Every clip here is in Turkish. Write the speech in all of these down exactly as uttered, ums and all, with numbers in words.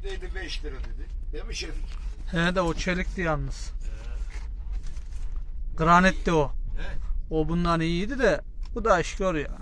Çelikteydi beş lira dedi. Değil mi Şefik? He de o çelikti yalnız. Granitti o. He. O bundan iyiydi de bu da işkör ya.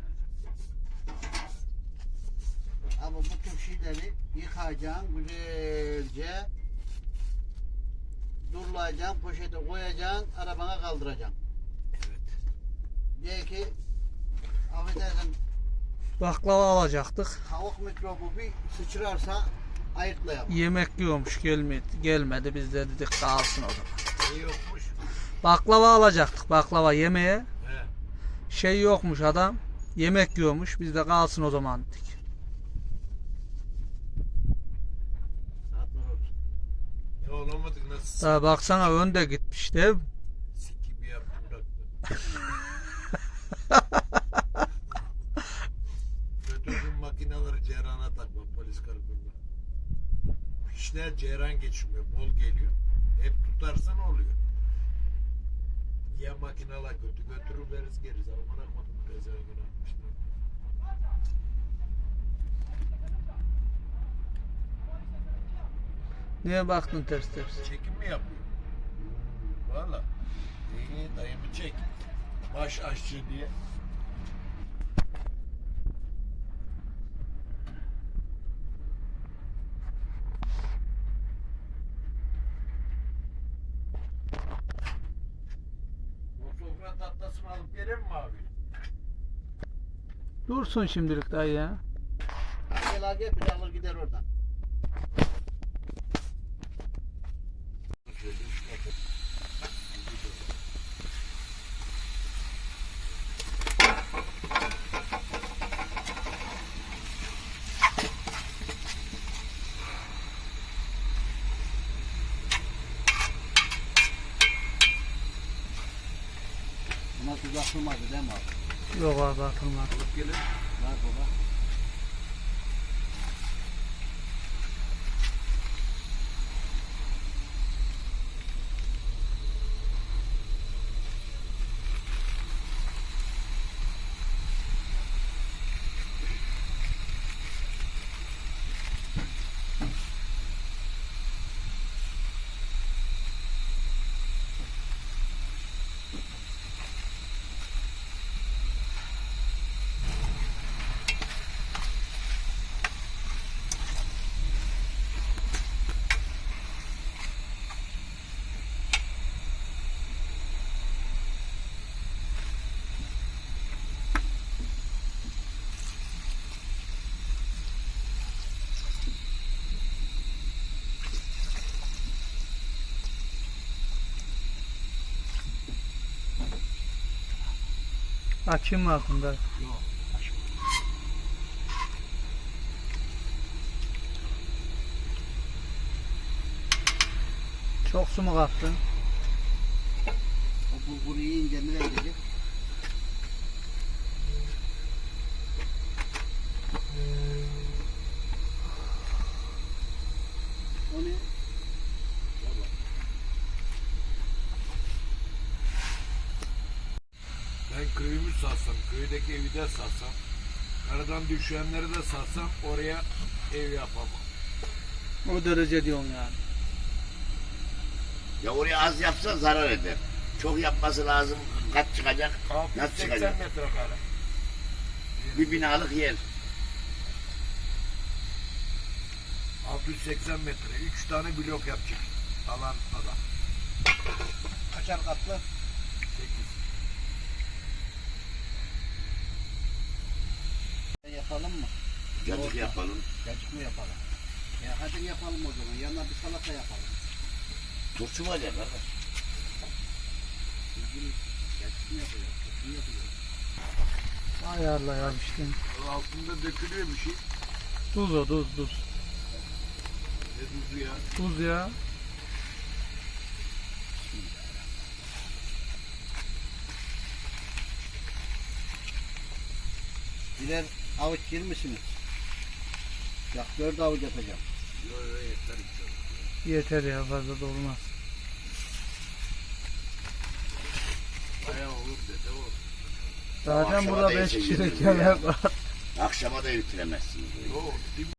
Ama bu tür şeyleri yıkacaksın güzelce, durulayacaksın, poşete koyacaksın, arabana kaldıracaksın. Evet. Diye ki affedersin, Baklava alacaktık. tavuk mikrobu bir sıçrarsa ayıklayamam. Yemek yiyormuş gelmedi. Gelmedi biz de dedik kalsın o zaman. Ne yokmuş? Baklava alacaktık, baklava yemeğe. He. Şey yokmuş adam. Yemek yiyormuş. Biz de kalsın o zaman dedik. Saatler olsun. Ne olamadık nasıl? Daha baksana önde gitmiş değil mi? Sik gibi yaptım bıraktım. Götürdüm makineleri Ceyran'a takma polis karakoluna. İşler Ceyran geçmiyor, bol geliyor. Hep tutarsan oluyor. Ya makineler kötü götürür veririz geriz. Ama bırakmadım pezevenk atmışlar. Niye baktın ters ters? Çekim mi yapıyor? Valla. İyi dayımı çek. Baş aşçı diye. O sofra tatlısı alıp vereyim mi abi? Dursun şimdilik dayı ya. Gel al gel, bir de alır gider oradan. Buna tuz atılmadı değil mi abi? Yok abi atılmaz. Gelin. Var baba. Açayım mı aklımda? Yok. Çok su mu kattın? O bulguru yiyince nereye gidecek? O ne? Ben köyümü satsam, köydeki evi de satsam, karadan düşenleri de satsam oraya ev yapamam. O derece diyorsun yani. Ya oraya az yapsa zarar eder. Çok yapması lazım. Kaç çıkacak? altı yüz Nasıl seksen çıkacak? metrekare. Bir binalık yer. altı yüz seksen metre. üç tane blok yapacak alan adam. Kaçar katlı? sekiz. Yapalım mı? Cacık Orta. yapalım. Cacık mı yapalım? Ya hadi yapalım o zaman. Yanına bir salata yapalım. Turşu var ya kardeş. Bizim cacık mı yapacağız? Turşu mu yapacağız? Ayarla ya işte. O altında dökülüyor bir şey. Tuz o tuz tuz. Ne tuzu ya? Tuz ya. Birer avuç yer misiniz? Bak dört avuç yapacağım. Yok yok yeter. Yeter ya fazla da olmaz. Bayağı olur dede olur. Zaten akşama burada da beş yese kişilik yerim ya. yemek var. Akşama da bitiremezsiniz. Yok.